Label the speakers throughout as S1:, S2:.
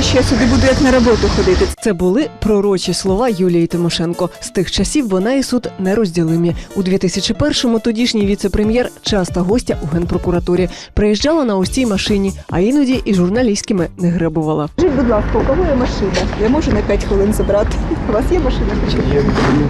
S1: що я сюди буду як на роботу ходити.
S2: Це були пророчі слова Юлії Тимошенко. З тих часів вона і суд нерозділимі. У 2001-му тодішній віце-прем'єр часто гостя у Генпрокуратурі. Приїжджала на ось цій машині, а іноді і журналістськими не гребувала.
S1: Скажіть, будь ласка, у кого є машина? Я можу на 5 хвилин забрати. У вас є машина? Є.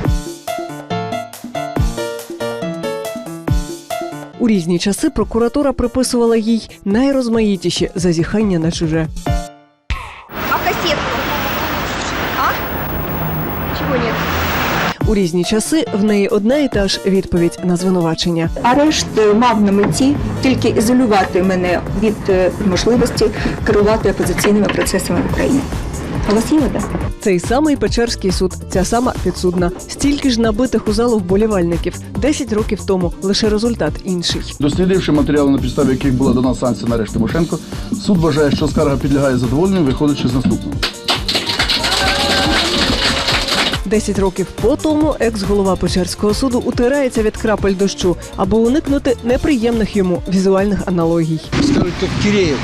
S2: У різні часи прокуратура приписувала їй найрозмаїтіші зазіхання на чуже.
S1: А кассетку? А? Чого ні?
S2: У різні часи в неї одна і та ж відповідь на звинувачення.
S1: Арешт мав на меті тільки ізолювати мене від можливості керувати опозиційними процесами в Україні. А у вас є вода?
S2: Цей самий Печерський суд, ця сама підсудна. Стільки ж набитих у залу вболівальників. 10 років тому, лише результат інший.
S3: Дослідивши матеріали, на підставі яких була дана санкція на арешт Тимошенко, суд вважає, що скарга підлягає задоволенню, виходячи з наступного.
S2: 10 років по тому екс-голова Печерського суду утирається від крапель дощу, аби уникнути неприємних йому візуальних аналогій.
S4: Скажуть, як Киреєв.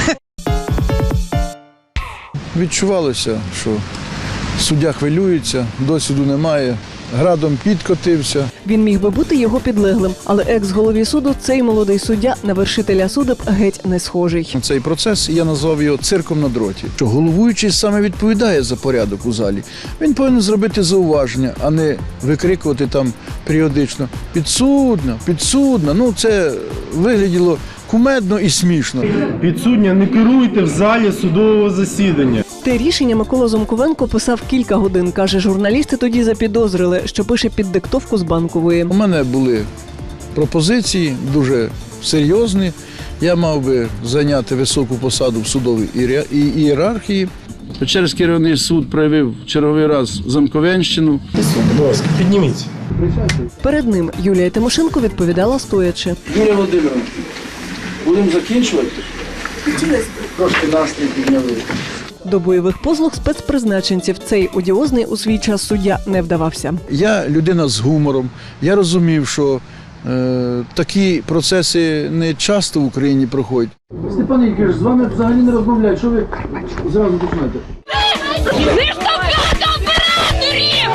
S4: Відчувалося, що суддя хвилюється, досвіду немає, градом підкотився.
S2: Він міг би бути його підлеглим, але екс-голові суду цей молодий суддя на вершителя судеб геть не схожий.
S4: Цей процес, я назвав його цирком на дроті. Що головуючий саме відповідає за порядок у залі. Він повинен зробити зауваження, а не викрикувати там періодично «підсудна, підсудна». Ну, це вигляділо кумедно і смішно.
S5: Підсудня, не керуйте в залі судового засідання.
S2: Те рішення Микола Зомковенко писав кілька годин. Каже, журналісти тоді запідозрили, що пише під диктовку з Банкової.
S4: У мене були пропозиції дуже серйозні. Я мав би зайняти високу посаду в судовій ієрархії.
S3: Печерський районний суд проявив черговий раз замковенщину.
S5: Будь ласка, підніміться.
S2: Перед ним Юлія Тимошенко відповідала стоячи.
S3: Юлія Володимировна, будемо закінчувати? Трошки настрій підняли.
S2: До бойових послуг спецпризначенців цей одіозний у свій час суддя не вдавався.
S4: Я людина з гумором. Я розумів, що такі процеси не часто в Україні проходять.
S3: Степан Ігорович, з вами взагалі не розмовляють. Що ви зразу починаєте?
S6: Не штовхати операторів!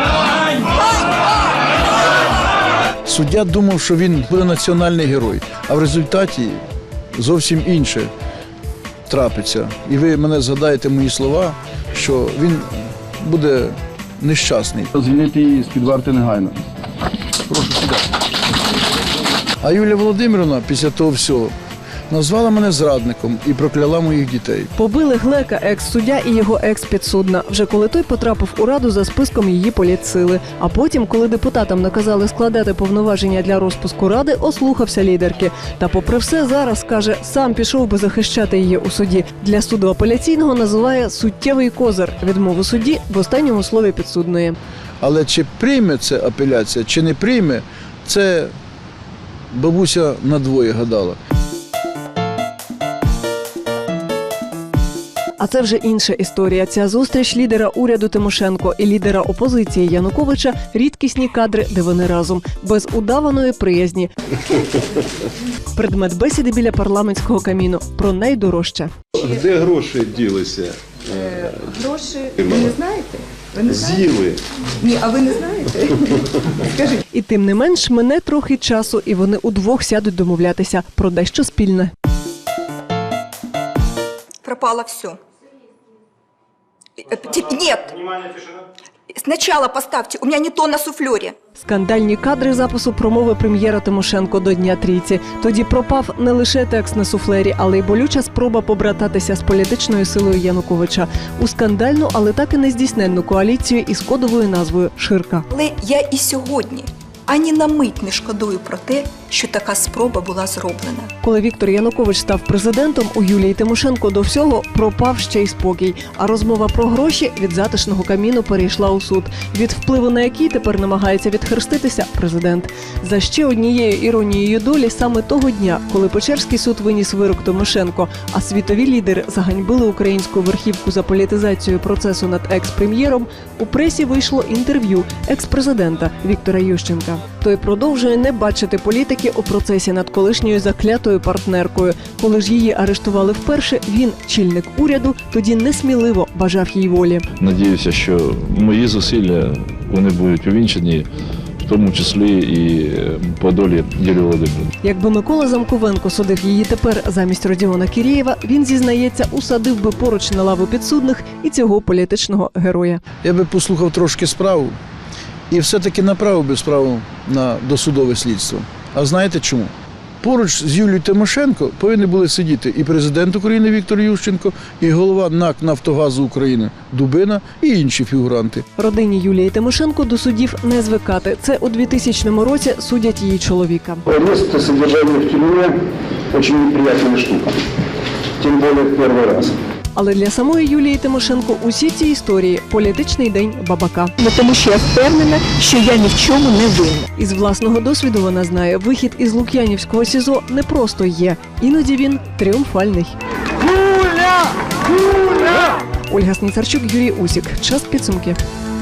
S4: Суддя думав, що він буде національний герой, а в результаті зовсім інше трапиться. І ви мене згадаєте мої слова, що він буде нещасний.
S3: Звільнити її з-під варти негайно. Прошу сюди.
S4: А Юлія Володимирівна після того всього назвала мене зрадником і прокляла моїх дітей.
S2: Побили Глека, екс-суддя і його екс-підсудна, вже коли той потрапив у Раду за списком її політсили. А потім, коли депутатам наказали складати повноваження для розпуску Ради, ослухався лідерки. Та попри все зараз, каже, сам пішов би захищати її у суді. Для суду апеляційного називає суттєвий козир відмову судді в останньому слові підсудної.
S4: Але чи прийме це апеляція, чи не прийме, це бабуся надвоє гадала.
S2: А це вже інша історія. Ця зустріч лідера уряду Тимошенко і лідера опозиції Януковича – рідкісні кадри, де вони разом, без удаваної приязні. Предмет бесіди біля парламентського каміну про найдорожче.
S7: Де гроші ділися?
S1: Гроші ви не знаєте? Ви не знаєте?
S7: З'їли.
S1: Ні, а ви не знаєте? Скажіть.
S2: І тим не менш, мине трохи часу, і вони удвох сядуть домовлятися про дещо спільне.
S1: Пропало все. Нет. Сначала поставьте. У меня не то на суфлере.
S2: Скандальні кадри запису промови прем'єра Тимошенко до Дня трійці. Тоді пропав не лише текст на суфлері, але й болюча спроба побрататися з політичною силою Януковича у скандальну, але так і нездійсненну коаліцію із кодовою назвою «Ширка».
S1: Але я і сьогодні ані на мить не шкодую про те, що така спроба була зроблена.
S2: Коли Віктор Янукович став президентом, у Юлії Тимошенко до всього пропав ще й спокій. А розмова про гроші від затишного каміну перейшла у суд, від впливу на який тепер намагається відхреститися президент. За ще однією іронією долі саме того дня, коли Печерський суд виніс вирок Тимошенко, а світові лідери заганьбили українську верхівку за політизацію процесу над екс-прем'єром, у пресі вийшло інтерв'ю екс-президента Віктора Ющенка. той продовжує не бачити політики у процесі над колишньою заклятою партнеркою. Коли ж її арештували вперше, він, чільник уряду, тоді несміливо бажав їй волі.
S8: Надіюся, що мої зусилля вони будуть увінчені, в тому числі і по долі Юлії Володимирівни.
S2: Якби Микола Замковенко судив її тепер замість Родіона Кірєєва, він, зізнається, усадив би поруч на лаву підсудних і цього політичного героя.
S4: Я би послухав трошки справу і все-таки направив би справу на досудове слідство. А знаєте чому? Поруч з Юлією Тимошенко повинні були сидіти і президент України Віктор Ющенко, і голова НАК «Нафтогазу України» Дубина, і інші фігуранти.
S2: Родині Юлії Тимошенко до судів не звикати. Це у 2000 році судять її чоловіка.
S9: Арест и содержание в тюрьме очень неприятная штука. Тем более в первый раз.
S2: Але для самої Юлії Тимошенко усі ці історії – політичний день бабака.
S1: Тому що я впевнена, що я ні в чому не винна.
S2: Із власного досвіду вона знає, вихід із Лук'янівського СІЗО не просто є. Іноді він тріумфальний. Ольга Сніцарчук, Юрій Усік. Час підсумки.